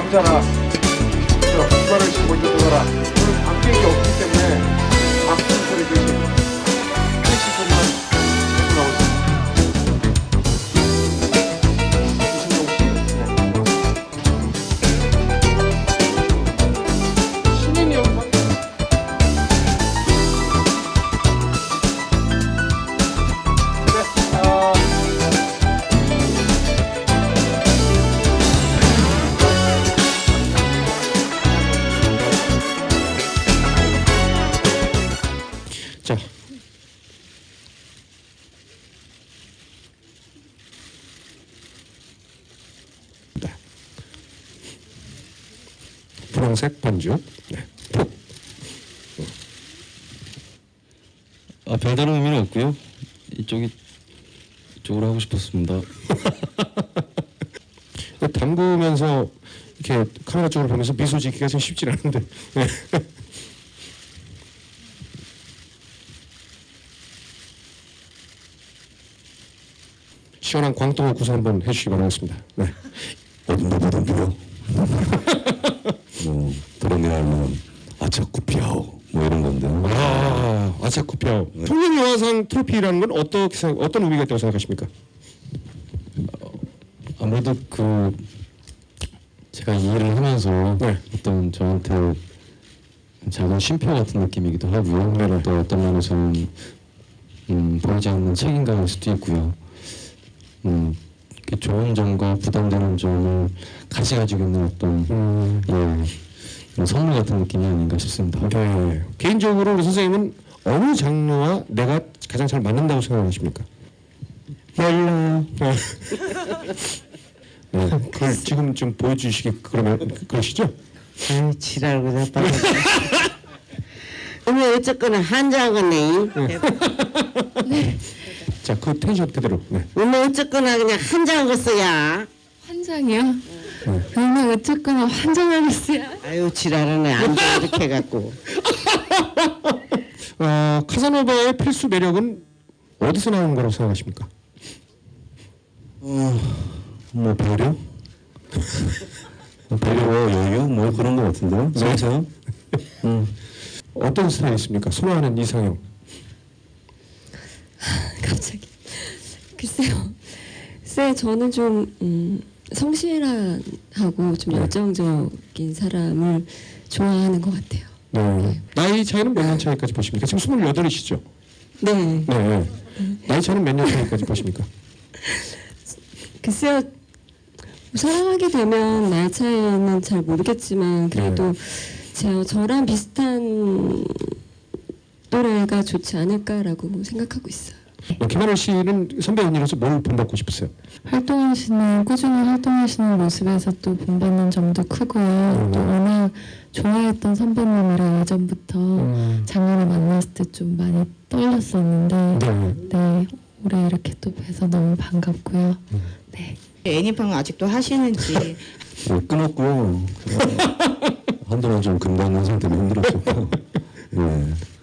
왕자라. 이발을 씨 먼저 들어라. 오늘 관객이 없기 때문에 박수 소리 대신 캐시 소리만 계속 나오고 있습니다. 신인이 형. 자, 네. 분홍색 반죽. 네. 푹. 별다른 의미는 없고요. 이쪽으로 하고 싶었습니다. 담그면서 이렇게 카메라 쪽으로 보면서 미소 짓기가 좀 쉽지 않은데. 네. 시원한 광동어 구사 한번 해주시기 바라겠습니다. 네. 어둠보다 비요. 뭐 드러내야 하면 아차쿠피아오 뭐 이런 건데. 아, 아차쿠피아오. 네. 통일영화상 트로피라는 건 어떤 의미가 있다고 생각하십니까? 아무래도 제가 이 일을 하면서 네. 어떤 저한테 작은 쉼표 같은 느낌이기도 하고요. 네네. 또 어떤 면에서는 보이지 않는 책임감일 수도 있고요. 이렇게 좋은 점과 부담되는 점을 같이 가지고 있는 어떤 그런 선물 같은 느낌이 아닌가 싶습니다. 네. 개인적으로 우리 선생님은 어느 장르와 내가 가장 잘 맞는다고 생각하십니까? 몰라요. 네. 그걸 지금 좀 보여주시기 그러시죠? 아유 지랄고 자빠졌어. 오늘 어쨌거나 한장하겠네. 자, 그 텐션 그대로. 네. 오늘 어쨌거나 그냥 한장하겠어야. 환장이요? 오늘 어쨌거나 환장하겠어요. 아유 지랄하네. 앉아 이렇게 해갖고. 카사노바의 필수 매력은 어디서 나오는 거라고 생각하십니까? 뭐 배려? 배려와 여유 뭐 그런 거 같은데요. 성세요? 어떤 스타일이 있습니까? 선호하는 이상형. 갑자기. 글쎄요, 저는 좀 성실하고 좀 열정적인 사람을 좋아하는 것 같아요. 네. 나이 차이는 몇 년 차이까지 보십니까? 지금 28이시죠? 네. 네. 나이 차이는 몇 년 차이까지 보십니까? 글쎄요, 사랑하게 되면 나이 차이는 잘 모르겠지만 그래도 저랑 비슷한 또래가 좋지 않을까라고 생각하고 있어요. 김하늘 씨는 선배 언니로서 뭘 본받고 싶으세요? 꾸준히 활동하시는 모습에서 또 본받는 점도 크고요. 또 워낙 좋아했던 선배님이라 예전부터 작년에 만났을 때 좀 많이 떨렸었는데 네, 올해 이렇게 또 뵈서 너무 반갑고요. 네. 애니팡 아직도 하시는지. 끊었고요. 한동안 좀 금방 상태로 힘들었었고. 예.